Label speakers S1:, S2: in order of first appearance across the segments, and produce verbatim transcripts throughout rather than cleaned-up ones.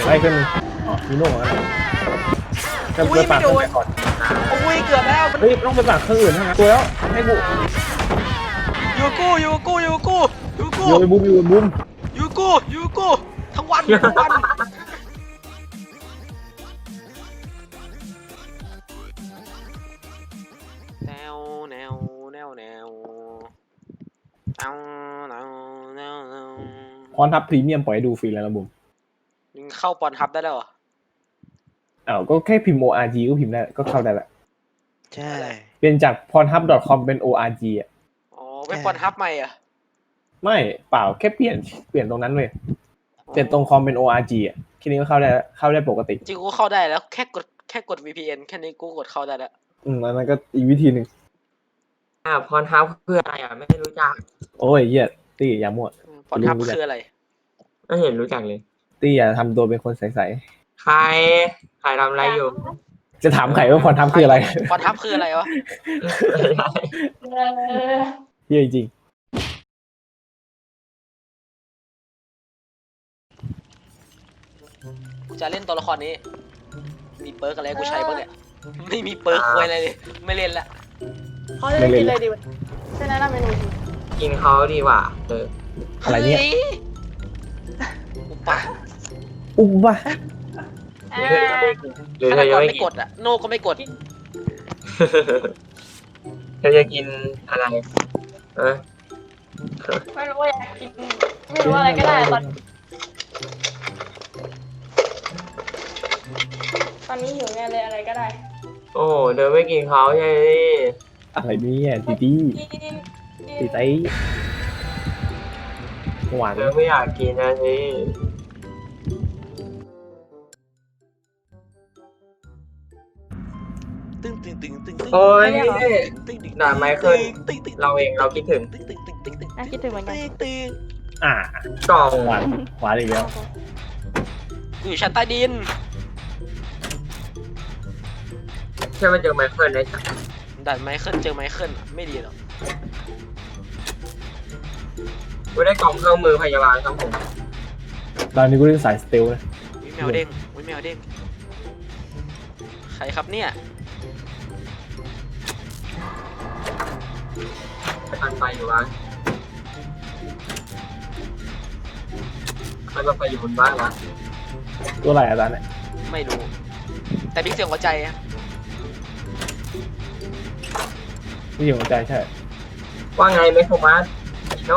S1: ไล่ขึ้นอ๋อมีโน่นะจะ
S2: อุ้ย
S1: ไป
S2: ไม่
S1: ปาก
S2: โด
S1: เครื่อง
S2: น
S1: ก่อน
S2: อุ้ยเกือบแล้วมัน
S1: เฮ้ยต้องไปปากเครื่องอื่นทั้งนั้นตัวแล้วให้กู
S2: อยู่กูอยู่กูอยู่กูอยู่กู
S1: โยนบุ้มโยนบุ้ม
S2: อยู่กูอยู่กูทั้งวันทั้งวันแนวแนวแนวแนวเอาแนวแนวแนว
S1: พรทับพรีเมียมปล่อยให้ดูฟรีแล้วนะบุ้ม
S2: มึงเข้าปอนทับได้แล้วเหรอ
S1: อ้าวก็แค่พิมพ์ โอ อาร์ จี ก็พิมพ์ได้ก็เข้าได้ละ
S3: ใช่
S1: เปลี่ยนจาก พรทับ ดอท คอม เป็น โอ อาร์ จี อ่ะ
S2: อ๋อเว็บปอนทับใหม่อ่ะ
S1: ไม่เปล่าแค่เปลี่ยนเปลี่ยนตรงนั้นเลยเปลี่ยนตรงคอมเป็น โอ อาร์ จี อ่ะแค่นี้ก็เข้าได้เข้าได้ปกติ
S2: จริงกูเข้าได้แล้วแค่กดแค่กด วี พี เอ็น แค่นี้กูกดเข้าได้แล้ว
S1: อืมอันนั้นก็อีกวิธีหนึ่ง
S4: อ่าพรทับคืออะไรอ่ะไม่รู้จัก
S1: โอ้ยเหี้ยตี้อย่ามั่ว
S2: ปอนทับคืออะไร
S4: ไม่เห็นรู้จักเลย
S1: ตี้อย่าทำตัวเป็นคนใส
S4: ใครใครทำอะไรอยู่
S1: ๆจะถามใครว่าพรทับคืออะไร
S2: ปอนทับคืออะไรวะ
S1: เหี้ยจริง
S2: กูจะเล่นตัวละครนี้ มีเปิร์กอะไรให้กูใช้บ้างเนี่ย ไม่มีเปิร์กควยอะไรเลย ไม่เล่นละ
S5: เขาจะได้กินเลยดีวันใช่แนะนำเมนูดี
S4: กินเขาดีกว่าเออ
S1: อะไรเนี่ย
S2: ฮ้อุปะ
S1: อุ้มวะ
S4: หรือเธอจะไม่กินหรือ
S2: ฆา
S4: เธ
S2: ต
S4: อก จะ
S2: ร
S4: ไม่
S2: ไม่
S4: กิ
S2: ก
S4: น
S2: ดอ่ะ โน่ก็ไม่กด
S4: เธอจะกินอะไรเออ
S5: ไม่รู้ว่าอยากกินไม่รู้ว่าอะไรก็ได้ตอนตอนนี้หิวไงเลยอะไรก็ได้
S4: โอ้เธอไม่กินเขาใช่ไหม
S1: อะไรเนี่ยตีตี้
S5: กินกิน
S1: ตีไตหวาน
S4: เธอไม่อยากกินนะสิ
S2: ตึ้งตึ้งตึ้งตึ้งตึ้ง
S4: โอ้ย
S2: ตึ้งตึ้ง
S4: ด่าไมเคิล
S2: ตึ้งตึ้ง
S4: เราเองเราคิดถึง
S2: ตึ้งตึ้งตึ้งตึ้งตึ้ง
S5: อ่ะคิดถึงเหมือนกัน
S2: ตึ้งตึ้ง
S1: อ่าก
S4: ล่อง
S1: หวานหวานอีกแล้ว
S2: กูอยู่ชั้นใต้ดิน
S4: ใช่ไหมเจอไมเคิลได้จ้ะ
S2: ด่านไมเคิลเจอไมเคิลไม่ดีหรอก
S4: กูได้กล่องเครื่องมือพยาบาลครับผม
S1: ตอนนี้กูเล่นสายสเตลนะ
S2: วิแมวเด้งวิแมวเด้งใครครับเนี่ย
S4: ไปทันไฟอยู่วะใครมาไฟอยู่บนบ้านวะ
S1: ตัวอะไรอาจารย์เนี่ย
S2: ไม่รู้ แต่มีเสียงหัวใจอะ
S1: ที่อยู่หัวใจใช่
S4: ว่าไงเมโทมัสโน่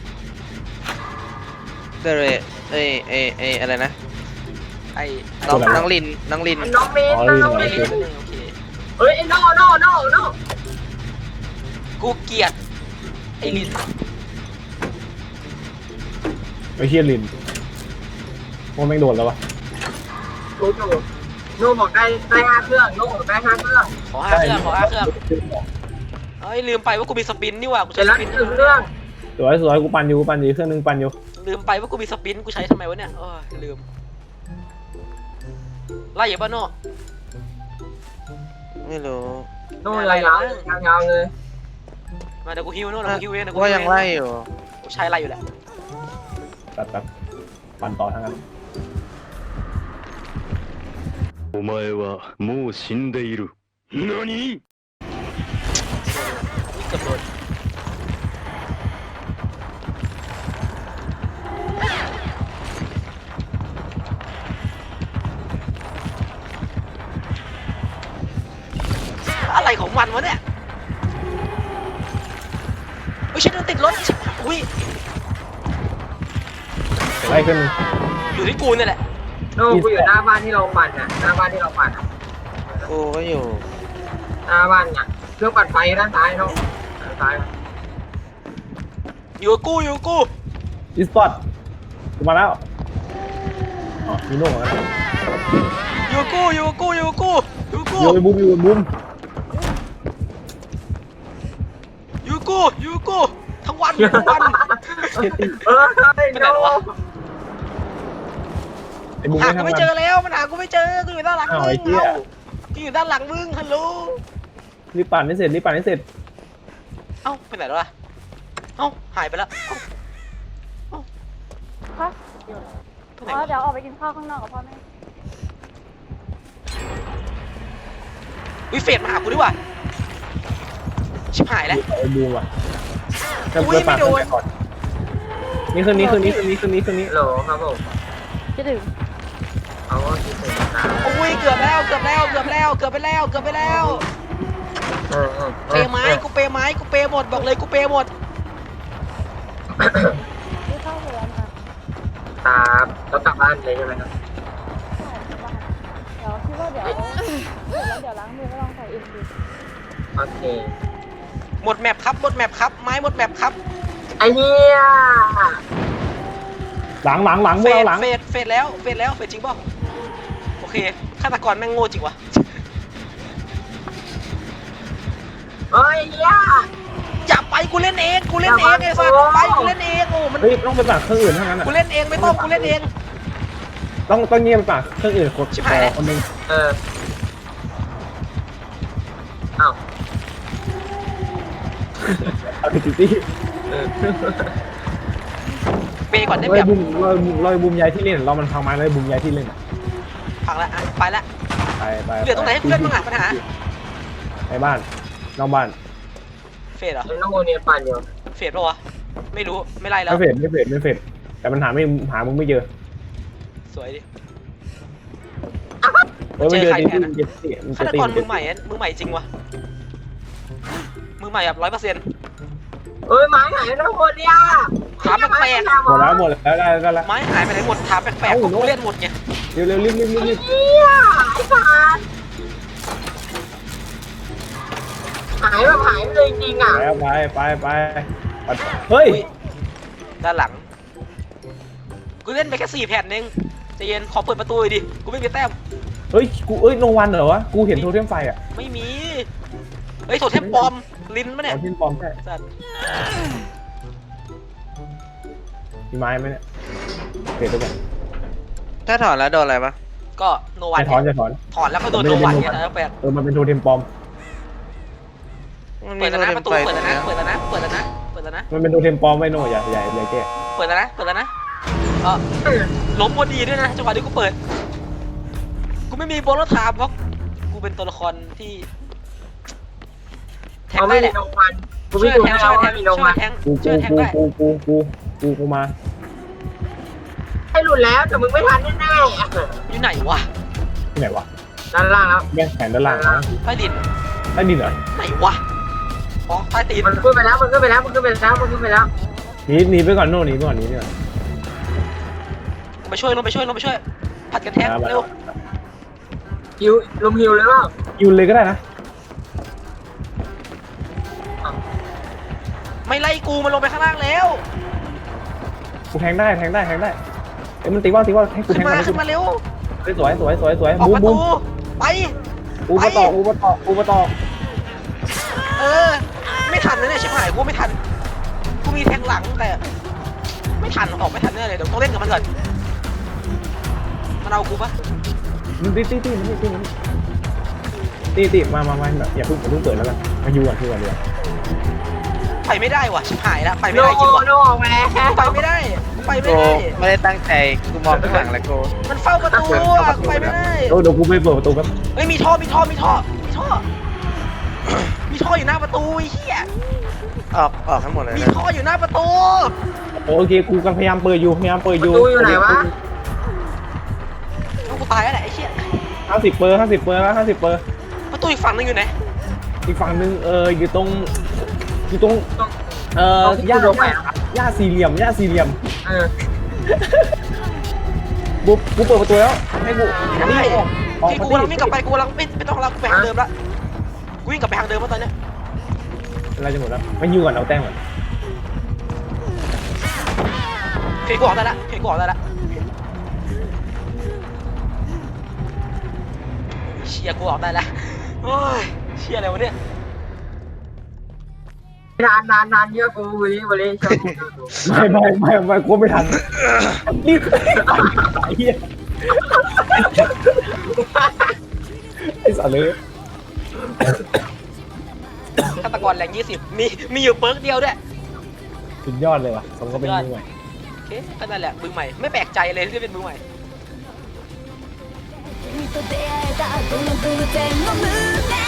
S3: เดเรเอยเอยเอยอะไรนะ
S2: ไอ้
S3: น้องน้องลินน้องลิน
S4: น้องเมน
S1: อ๋อ
S4: น้อง
S1: ลื
S4: เม
S1: ม
S4: น
S1: เหรอ
S2: โอเค
S4: เฮ้ยโน่โน่โน่โน่
S2: กูเกลียดไอ้ลิน
S1: ไม่เชี่ยลินว่าแม่งโดนแล้ววะ
S4: รู้อยู่โน่บอกได้ได้ห้าเครื่องโน่บอกได้ห้าเครื่อง
S2: ขอห้าเครื่องขอห้าเครื่องเอ้ยลืมไปว่ากูมีสปินนี่หว่ากู
S4: เสร็
S2: ใช้
S4: จ
S2: ส
S4: แล้ว
S2: ปิน
S4: หนึ่งเครื่อง
S1: สวยสวยกูปั่นอยู่กูปั่นอยู่เครื่องนึงปั่นอยู่
S2: ลืมไปว่ากูมีสปินกูใช้ทำไมวะเนี่ยโอ้ยลืมไล่อย่าบ้าโน่
S3: ไม่รู้
S4: โน่ยาวๆยาวๆเลย
S2: มาเดี๋ยวกูฮิวโน่เดี๋ยวกูฮิวเองเดี๋ยวกู
S3: ว่า
S2: ฮิว
S3: ยัง
S2: เอง
S3: ไล่อยู่
S2: กูใช้ไล่อยู่แหละ
S1: ตัดตัดปั่นต่อทั้งนั้น
S6: お前はもう死んでいる。何？
S2: นี่เกือบโดนอะไรของมันวะเนี่ยอุ้ยฉันโดนติดรถอุ้ย
S1: ไล่ขึ้น
S2: อยู่ที่กูเนี่ยแหละ
S4: โน่กูอยู่หน้าบ้านที่เราปั่นอ่ะหน้าบ้านที่เราปั่นอ่ะ
S3: กูก็อยู่
S4: หน้าบ้านอ่ะเครื่องปั่นไฟด้านซ้ายโน่ด้านซ้าย
S2: อยู่กับกูอยู่กับกู
S1: อีสปอร์ตกูมาแล้วอ๋อมีโน่นะ
S2: อยู่กับกูอยู่กับกูอยู่กับกูอยู่กับกู
S1: โยนบุ้มโยนบุ้ม
S2: อยู่กับกูอยู่กับกูทั้งวันทั้งวัน
S1: เชี่ยตี
S4: เออไอ้
S2: ไปไหน
S4: โน่
S2: แล้ววะ
S1: ไอ้บุ้ม
S2: หา
S1: ไม่
S2: กู
S1: ทำ
S2: ไม่
S1: งา
S2: เจอน แล้วมันหากูไม่เจอกูอยู่ด้านหลัง
S1: อ้าว
S2: มึ
S1: ไอ้
S2: ง
S1: เหี้ย
S2: เอ้ากูอยู่ด้านหลังมึงฮัลโหล
S1: รีบปั่นให้เสร็จรีบปั่นให้เสร็จ
S2: เอ้าไปไหนแล้วล่ะเอ้าหายไปแล้วเอ้า
S5: ฮะ
S2: ไปไหน
S5: อ๋อ
S2: วะ
S5: เดี๋ยวออกไปกินข้าวข้างนอกกับพ่อแม่
S2: อุ้ยเฟดมาหากูดีกว่าชิบหายแล้ว
S1: ไอ้บูมอ่ะจะ
S2: อุ้ย
S1: เปิดปาก
S2: ไม่โดน
S1: ก่อนนี่คืนนี้คืนนี้คืนนี้คืนนี้คืนนี้
S4: ฮัลโหลครับผม
S5: คิดถึง
S4: เอาว่าคิดถึงนะ
S2: อุ้ยเกือบแล้วเกือบแล้วเกือบแล้วเกือบไปแล้วเกือบไปแล้ว
S4: เออเออ
S2: เปย์ไม้กูเปย์ไม้กูเปย์หมดบอกเลยกูเปย์หมด
S5: ที่เข้าไปแล้วนะ
S4: ตามแล้วกลับบ้านเลยใช่ไหมครับ
S5: ใช่ที่บ้านเดี๋ยวคิดว่าเดี๋ยวเสร็จแล้วเดี๋ยวล้างมือก็ลองใส่เอ็มดี
S4: โอเค
S2: หมดแมปครับหมดแมปครับไม้หมดแมปครับ
S4: ไอ้เหี้ย
S1: หลังหลังหลังพ
S2: เฟ
S1: วกเรา
S2: ด
S1: หลัง
S2: เฟดเฟดแล้วเฟดแล้วเฟดจริงเปล่าโอเคฆาตกรแม่งโง่จริงวะ
S4: เฮ้ยเหี้ย
S2: อย่าไปกูเล่นเองกูเล่นเองไอ้สัสไปกูเล่นเองโอ้มัน
S1: เฮ้ยต้องไปปากเครื่องอื่นเท่านั้นอ่ะ
S2: กูเล่นเองไม่ต้องกูเล่นเอง
S1: ต้องต้องเงียบไปปากเครื่องอื่นคน
S2: ชิบหายแล้ว
S1: คนหนึง
S4: เอออ้าว
S1: เอาติดที่
S4: เออ
S2: เปย์ก่อนได้
S1: ล
S2: เป
S1: อ
S2: รี
S1: ย
S2: ยบ
S1: บุมลอยบุมลอยบุมยายที่เล่นเรามันพังไม้ลอยบุมยายที่เล่นอะ
S2: พังละอ่ะไปละ
S1: ไปไป
S2: เหลือตรงไหนให้กูเล่นบ้างอ่ะปัญหา
S1: ในบ้านนอกบ้าน
S2: เฟดเหรอ
S4: ไอ้น้องโมเนียปั่นอยู่
S2: เฟดปะวะไม่รู้ไม่ไล่แล้ว
S1: ไม่เฟดไม่เฟดไม่เฟดแต่มันหาไม่หามึงไม่เจอ
S2: สวยดิ
S1: เออไม่เจอ
S2: เจอใคร
S1: จริง
S2: แทนนะ
S1: ๆเจ็บสิมัน
S2: ฆา
S1: จะ
S2: ต
S1: ตี
S2: กร
S1: มัน
S2: มื
S1: จะ
S2: อใหม่อะมือใหม่จริงวะมือใหม่แบบร้อยเปอร์เซ็นต์
S4: เอ้ยไม้หายน้องโมเนีย
S2: ถามแปลก
S1: หมดแล้วหมดแล้วได้ได้แล้ว
S2: ไม้หายไปไหนหมดถามแปลกๆกูเล่นหมดไง
S1: เร็วเร็วรีบรีบรีบรีบ
S4: เหี้ยไอ้สัสหายแบบหายไปเลยจริงๆอ่ะ
S1: แล้วไปไปไปไปเฮ้ย
S2: อุ๊ยด้านหลังกูเล่นไปแค่สี่แผ่นเองใจเย็นขอเปิดประตูหน่อยดิกูไม่มีแต้ม
S1: เฮ้ยกูเอ้ยโนวันเหรอวะกูเห็นโทเทมไฟอ่ะ
S2: ไม่มีเฮ้ยโถเทมปลอมลิ้นมะเนี่ย
S1: เอาทิ้นปลอมใช่
S2: สัตว์
S1: มีไม้ไหมเนี่ยเฟดไปก่อน
S3: ถ้าถอนแล้วโดนอะไรปะ
S2: ก็โนวัน
S1: จะถอนจะถอน
S2: ถอนแล้วก็โดนโนวันเนี่ยแล้วแปลก
S1: เออมันเป็นโทเทมปลอม
S3: มัน
S2: เปิ
S3: มี
S2: ด
S3: โท
S2: แล้วนะ
S3: เท
S2: ป
S3: ม
S2: ระตู
S3: ไฟ
S2: เปิด
S3: ตร
S2: แล้ว
S3: ง
S2: นะ
S3: เนี้ย
S2: เปิดแล้วนะเปิดแล้วนะเปิดแล้วนะ
S1: มันเป็นโทเทมปลอมไว้โน่อย่าอย่าอย่าแก้
S2: เปิดแล้วนะเปิดแล้วนะเออล้มพอดีด้วยนะจังหวะที่กูเปิดกูไม่มีโบนัสถามเพราะกูเป็นตัวละครที่แทง
S4: เขา
S2: ได้
S4: ไม่
S2: แห
S4: มี
S2: ละ
S4: โนวันกู
S2: ช่
S4: ไม่
S2: วย
S4: ดู
S2: แทง
S4: ให้
S2: ช่
S4: เรา
S2: วยแท
S4: ว่าง มีโน
S2: ช่ว
S4: วั
S2: ย
S4: น
S2: แทง
S1: กู
S2: ช่
S1: กู
S2: วยแทง
S1: กู
S2: ได้
S1: กูกูกูกูกูมา
S4: ให้หลุดแล้วแต่มึงไม่ทันแน่
S2: อยู่ไหนวะ
S1: ที่ไหนวะ
S4: ๆด้านล่างแล้ว
S1: แม่งแขนด้านล่างนะ
S2: ใต้ดิน
S1: ใต้ดินเหรอ
S2: ไหนวะอ๋อใต้ตีน
S4: มันขึ้นไปแล้วมันขึ้นไปแล้วมันขึ้นไปแล้วมันขึ้นไปแล้ว
S1: หนีหนีไปก่อนโน่หนีไปก่อนหนีไปก่อน
S2: ลงไปช่วยลงไปช่วยลงไปช่วยผัดกันแทง
S1: มา
S2: เร็ว
S4: ฮิวลุมฮิวเลยเปล่า
S1: ยูนเลยก็ได้นะ
S2: ไม่ไล่กูมันลงไปข้างล่างแล้ว
S1: กูแทงได้แทงได้แทงได้เอ้ยมันตีว่าตีว่าให้กู
S2: ขึ้
S1: แท
S2: น
S1: ง
S2: มา
S1: ได้
S2: ขึ้นมาเร็ว
S1: สวยสวยสวยสวย
S2: ออก
S1: บูม
S2: ประ
S1: บู
S2: ตู
S1: ม
S2: ไป
S1: อูมาต่ออูมาต่ออูมาต่อ
S2: เออไม่ทันนะเนี่ยชิบหายกูไม่ทันกูมีแทงหลังแต่ไม่ทันออกไม่ทันแน่เลยเดี๋ยวต้องเล่นกับมันก่อนมันเอากูปะ
S1: มันตีตีตีมันตีตีมันตีตีมามามาอย่าเพิ่งอย่าเพิ่งเปิดแล้วกันมาอยู่ก่อนอยู่ก่อนเดี๋ยว
S2: ไปไม่ได้ว่ะชิบหายแล้วไป
S4: โน
S2: ไม่ได้จริงว่ะ
S4: โนออกมาแล้ว
S2: ไปไม่ได้ไป
S3: โก
S2: ไม่ได้
S3: ไม่ได้ตั้งใจกูมองข้างหลังแล้วกู
S2: มันเฝ้าประตูอะไปไม่ได้
S1: เดี๋ยวกูไปเปิดประตูแป๊บ
S2: เฮ้ยมีท่อมีท่อมีท่อมีท่อมีท่ออยู่หน้าประตูไอ้เหี้ย
S3: ออกออกทั้งหมดเลย
S2: มี
S3: นะ
S2: ท่ออยู่หน้าประตู
S1: โอเคกูกำลังพยายามเปิดอยู่พยายามเปิด
S4: ป
S1: อยู่
S4: ระตูอยู่ไหนวะ
S2: เอากูตายแล้วแหละไอ้เหี้ย
S1: ห้าสิบเปอร์ห้าสิบเปอร์แล้วห้าสิบเปอร์
S2: ประตูอีกฝั่งนึงอยู่ไหน
S1: อีกฝั่งหนึ่งเอออยู่ตรงอยู่ตรงเออ
S4: ตรงที่
S1: หญ้า
S4: กูโดนแขวน
S1: หญ้าสี่เหลี่ยมหญ้าสี่เหลี่ยม
S4: เออ
S1: กูกูเปิดประตูแล้วให้กู
S2: ได้
S1: ออกออก
S2: ที่
S1: มา
S2: กูกำลังวิ่งกลับไปกูกำลังไม่ไม่ต้องแล้วกูไปทางเดิมละกูวิ่งกลับไปทางเดิมแล้วตอนเนี้ย
S1: เราจะหมดแล้วมายิงก่อนเอาแต้มก่อน
S2: เพลงกูออกได้ละเพลงกูออกได้ละเชียร์กูออกได้ละโอ้ยเชียร์อะไรวะเนี่ย
S4: นานนานนานเยอะกูวันนี้วันนี้ชอบกู
S1: ไม่ไม่ไม่ไม่กูไม่ทันนี่ไอ้เหี้ยไอ้สัตว์เลย
S2: ฆาตกรแรงยี่สิบมีมีอยู่เปิร์กเดียวด้วย
S1: สุดยอดเลยว่ะสมก็เป็นมือใหม่
S2: เคก็นั่นแหละมือใหม่ไม่แปลกใจเลยที่เป็นมือใหม่
S7: 君と出会えたこの偶然の胸